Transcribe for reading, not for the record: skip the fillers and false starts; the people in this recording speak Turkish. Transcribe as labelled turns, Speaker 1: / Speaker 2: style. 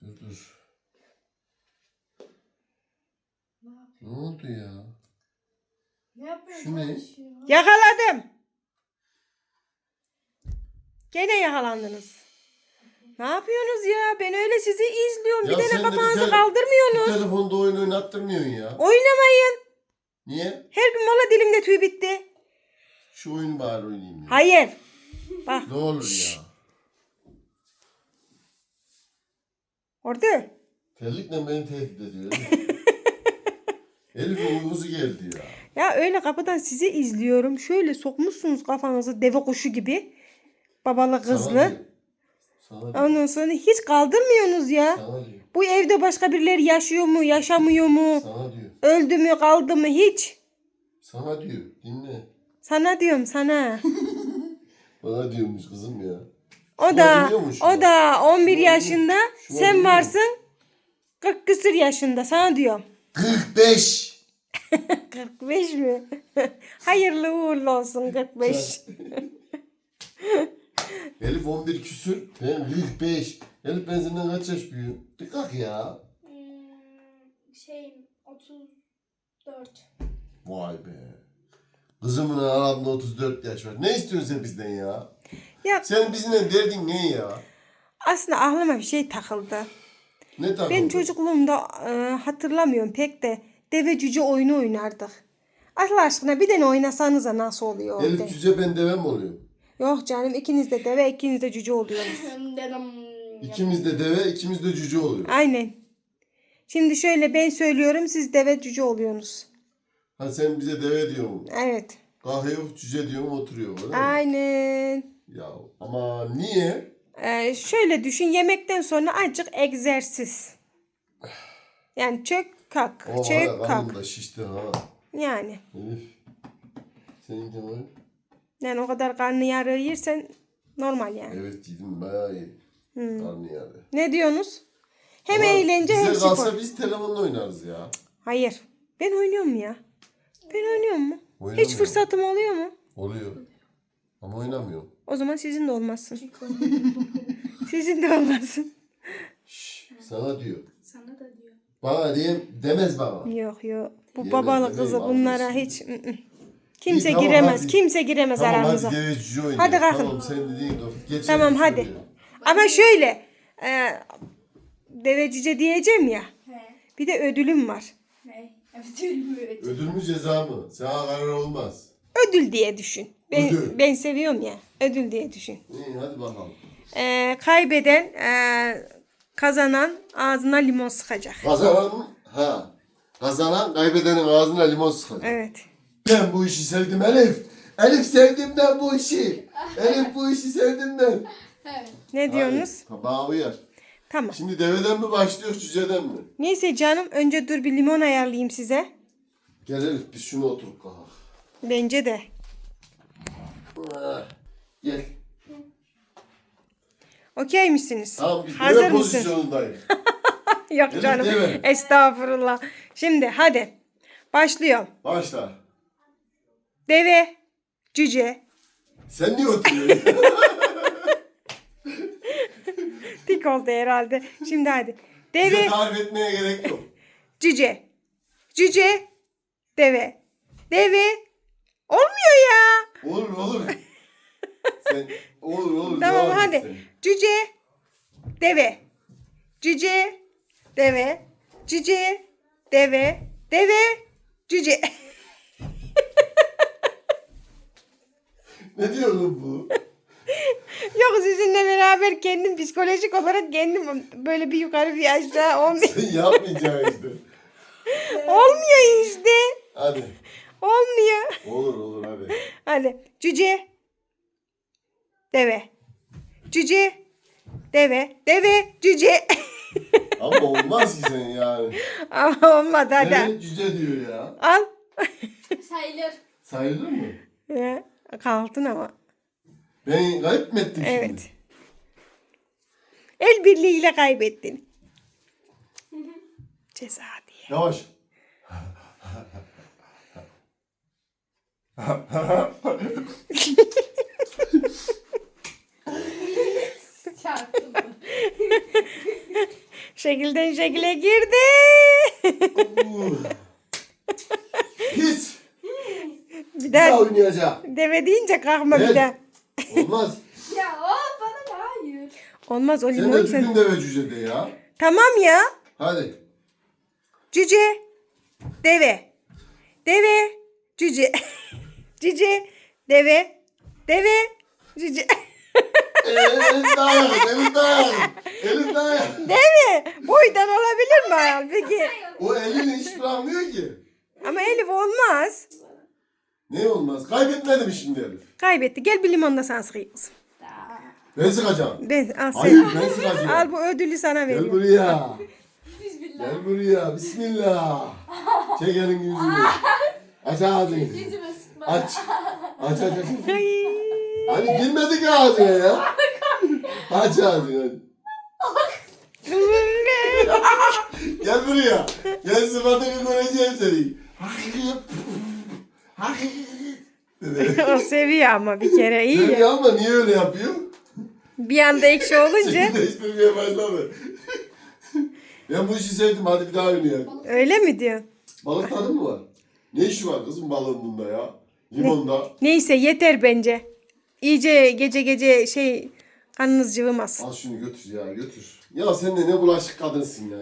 Speaker 1: Dur. Ne oldu ya?
Speaker 2: Ne yapıyorsun?
Speaker 1: Şu ne?
Speaker 2: Çalışıyor.
Speaker 3: Yakaladım. Gene yakalandınız. Ne yapıyorsunuz ya? Ben öyle sizi izliyorum.
Speaker 1: Ya
Speaker 3: Bir
Speaker 1: sen
Speaker 3: tane
Speaker 1: de
Speaker 3: kafanızı
Speaker 1: bir
Speaker 3: kaldırmıyorsunuz.
Speaker 1: telefonda oyun oynattırmıyorsun ya.
Speaker 3: Oynamayın.
Speaker 1: Niye?
Speaker 3: Her gün valla dilimde tüy bitti.
Speaker 1: Şu oyunu bari oynayayım ya.
Speaker 3: Hayır. Bak.
Speaker 1: Ne olur ya.
Speaker 3: Orada.
Speaker 1: Terlikle beni tehdit ediyor. Elif'in uykusu geldi ya.
Speaker 3: Ya öyle kapıdan sizi izliyorum. Şöyle sokmuşsunuz kafanızı deve kuşu gibi. Babalı kızlı.
Speaker 1: Sana diyor. Sana diyor.
Speaker 3: Ondan sonra hiç kaldırmıyorsunuz ya.
Speaker 1: Sana diyor.
Speaker 3: Bu evde başka birileri yaşıyor mu, yaşamıyor mu?
Speaker 1: Sana diyor.
Speaker 3: Öldü mü, kaldı mı hiç?
Speaker 1: Sana diyor. Dinle.
Speaker 3: Sana diyorum sana.
Speaker 1: Bana diyormuş kızım ya.
Speaker 3: O da
Speaker 1: dinliyormuş
Speaker 3: o
Speaker 1: ya.
Speaker 3: da 11
Speaker 1: Şuna
Speaker 3: yaşında.
Speaker 1: Şuna
Speaker 3: Sen
Speaker 1: dinliyor.
Speaker 3: varsın 40 küsür yaşında. Sana diyorum.
Speaker 1: 45.
Speaker 3: 45 mi? Hayırlı uğurlu olsun 45.
Speaker 1: Elif 11 küsür. Ben 45. Elif ben senden kaç yaş büyüğüm? Dikkat ya.
Speaker 2: 34.
Speaker 1: Vay be. Kızımın aramda 34 yaş var. Ne istiyorsun sen bizden ya?
Speaker 3: Ya
Speaker 1: Sen bizimle derdin ne ya?
Speaker 3: aslında aklıma bir şey takıldı.
Speaker 1: Ne takıldın?
Speaker 3: Ben çocukluğumda hatırlamıyorum pek de deve cüce oyunu oynardık. Allah aşkına bir tane oynasanıza nasıl oluyor orada?
Speaker 1: Elif cüce ben deve mi oluyorum?
Speaker 3: Yok canım ikiniz de deve ikiniz de cüce oluyorsunuz.
Speaker 1: İkimiz de deve, ikimiz de cüce oluyor.
Speaker 3: Aynen. Şimdi şöyle ben söylüyorum siz deve cüce oluyorsunuz.
Speaker 1: Ha sen bize deve diyorsun.
Speaker 3: Evet.
Speaker 1: Kalkıyor cüce diyorum oturuyor öyle mi?
Speaker 3: Aynen.
Speaker 1: Ya ama niye?
Speaker 3: Şöyle düşün yemekten sonra azıcık egzersiz. Yani çök kalk,
Speaker 1: O
Speaker 3: çök
Speaker 1: hala
Speaker 3: kalk.
Speaker 1: karnım da şişti ha.
Speaker 3: Yani.
Speaker 1: Elif. Senin de var.
Speaker 3: Yani o kadar karnı yarığı yersen normal yani.
Speaker 1: Evet yedim bayağı iyi. Karnı yarı.
Speaker 3: Ne diyorsunuz? Hem
Speaker 1: Ama
Speaker 3: eğlence hem
Speaker 1: bize kalsa
Speaker 3: spor.
Speaker 1: biz telefonla oynarız ya.
Speaker 3: Hayır. Ben oynuyorum ya. Ben oynuyorum mu?
Speaker 1: Oynamıyorum.
Speaker 3: Hiç fırsatım oluyor mu?
Speaker 1: Oluyor. Ama oynamıyorum.
Speaker 3: O zaman sizin de olmasın. Sizin de olmasın.
Speaker 1: Şşş, sana diyor.
Speaker 2: Sana da diyor.
Speaker 1: Bana demez bana.
Speaker 3: Yok yok. Bu
Speaker 1: Yemin
Speaker 3: babalı
Speaker 1: ederim
Speaker 3: kızı
Speaker 1: almışsın.
Speaker 3: bunlara hiç kimse
Speaker 1: İyi, tamam,
Speaker 3: giremez.
Speaker 1: hadi.
Speaker 3: Kimse giremez
Speaker 1: Tamam
Speaker 3: aramıza.
Speaker 1: hadi deve cüce oynayalım.
Speaker 3: Hadi kalkın.
Speaker 1: Tamam sen dediğin doğru. Geçelim
Speaker 3: Tamam hadi.
Speaker 1: şuraya.
Speaker 3: Ama şöyle devecice diyeceğim ya.
Speaker 2: He.
Speaker 3: Bir de ödülüm var.
Speaker 2: He. Evet.
Speaker 1: Ödül mü ceza mı? Sana karar olmaz.
Speaker 3: Ödül diye düşün.
Speaker 1: Ödül.
Speaker 3: Ben seviyorum ya. Ödül diye düşün.
Speaker 1: İyi hadi bakalım.
Speaker 3: Kaybeden kazanan ağzına limon sıkacak.
Speaker 1: Kazanan kaybedenin ağzına limon sıkacak.
Speaker 3: Evet.
Speaker 1: Ben bu işi sevdim Elif. Elif sevdim ben bu işi. Elif bu işi sevdim ben.
Speaker 3: Ne diyorsunuz?
Speaker 1: Hadi, bana uyar.
Speaker 3: Tamam.
Speaker 1: Şimdi deveden mi başlıyor cüceden mi?
Speaker 3: Neyse canım önce dur bir limon ayarlayayım size.
Speaker 1: Gel Elif biz şunu oturup kalkalım.
Speaker 3: Bence de.
Speaker 1: Gel.
Speaker 3: Okey misiniz?
Speaker 1: Tamam biz
Speaker 3: Hazır
Speaker 1: deve
Speaker 3: mısın?
Speaker 1: pozisyonundayız.
Speaker 3: Yok
Speaker 1: Elif,
Speaker 3: canım.
Speaker 1: deve.
Speaker 3: Estağfurullah. Şimdi hadi. Başlıyorum.
Speaker 1: Başla.
Speaker 3: Deve, cüce,
Speaker 1: Sen niye oturuyorsun?
Speaker 3: tik oldu herhalde. Şimdi hadi.
Speaker 1: Bize
Speaker 3: Deve,
Speaker 1: tarif etmeye gerek yok.
Speaker 3: cüce, cüce, deve, deve. Olmuyor ya.
Speaker 1: Olur olur. Sen olur.
Speaker 3: Tamam
Speaker 1: devam et
Speaker 3: hadi.
Speaker 1: sen.
Speaker 3: Cüce, deve, cüce, deve, cüce, deve, deve, cüce.
Speaker 1: Ne diyorsun bu?
Speaker 3: Yok sizinle beraber kendim psikolojik olarak kendim böyle bir yukarı bir aşağı olmuyor.
Speaker 1: Sen yapmayacaksın işte.
Speaker 3: Olmuyor işte.
Speaker 1: Hadi.
Speaker 3: Olmuyor.
Speaker 1: Olur hadi.
Speaker 3: Hadi. Cüce. Deve. Cüce. Deve. Deve. Cüce.
Speaker 1: Ama olmaz ki sen yani.
Speaker 3: Ama olmadı hadi.
Speaker 1: Evet cüce diyor ya.
Speaker 3: Al.
Speaker 2: Sayılır.
Speaker 1: Sayılır mı?
Speaker 3: Ya, kaldın ama.
Speaker 1: Ben kayıp mı ettim
Speaker 3: Evet.
Speaker 1: şimdi?
Speaker 3: El birliğiyle kaybettin. Ceza diye.
Speaker 1: Yavaş.
Speaker 2: Çarptım.
Speaker 3: Şekilden şekile girdi.
Speaker 1: Pis.
Speaker 3: Bir
Speaker 1: Bir daha
Speaker 3: daha
Speaker 1: oynayacağım.
Speaker 3: deve deyince kalkma bir
Speaker 1: Evet.
Speaker 3: daha.
Speaker 1: Olmaz.
Speaker 2: Ya o bana da hayır.
Speaker 3: Olmaz o
Speaker 1: Sen de
Speaker 3: limon
Speaker 1: düzgün
Speaker 3: sen.
Speaker 1: deve cüce de ya.
Speaker 3: Tamam ya.
Speaker 1: Hadi.
Speaker 3: Cüce. Deve. Deve. Cüce. Cüce. Deve. Deve. Cüce.
Speaker 1: Elin dayak. Elin dayak. Elin dayak.
Speaker 3: Deve. Boydan olabilir mi ayol peki?
Speaker 1: O elini hiç bırakmıyor ki.
Speaker 3: Ama Elif olmaz.
Speaker 1: Ne olmaz? Kaybetmedim şimdi Elif.
Speaker 3: Kaybetti. Gel bir limon da sen sıkayım.
Speaker 1: Ben sıkacağım.
Speaker 3: Ben al sen.
Speaker 1: Hayır ben sıkacağım.
Speaker 3: Al bu ödülü sana
Speaker 1: Gel
Speaker 3: veriyorum.
Speaker 1: buraya.
Speaker 2: Bismillah.
Speaker 1: Gel buraya. Bismillah. Çek elin yüzünü. Aç ağzını.
Speaker 2: Yüzüme sıkma.
Speaker 1: Aç. Aç aç aç.
Speaker 3: Ay.
Speaker 1: Hani girmedi ki ağzına ya. Aç ağzını. Gel buraya. Gel sıfatını göreceğim seni.
Speaker 3: O seviyor ama bir kere iyi
Speaker 1: Seni
Speaker 3: ya.
Speaker 1: ama niye öyle yapıyor?
Speaker 3: Bir anda ekşi olunca
Speaker 1: Şekil değiştirmeye başladı. Ben bu işi sevdim. Hadi bir daha oynayalım.
Speaker 3: öyle mi diyor?
Speaker 1: Balık tadı mı var? Ne işi var kızım balığın bunda ya? Limonda.
Speaker 3: Neyse yeter bence. İyice gece gece karnınız cıvımaz.
Speaker 1: Al şunu götür ya götür. Ya sen de ne bulaşık kadınsın ya.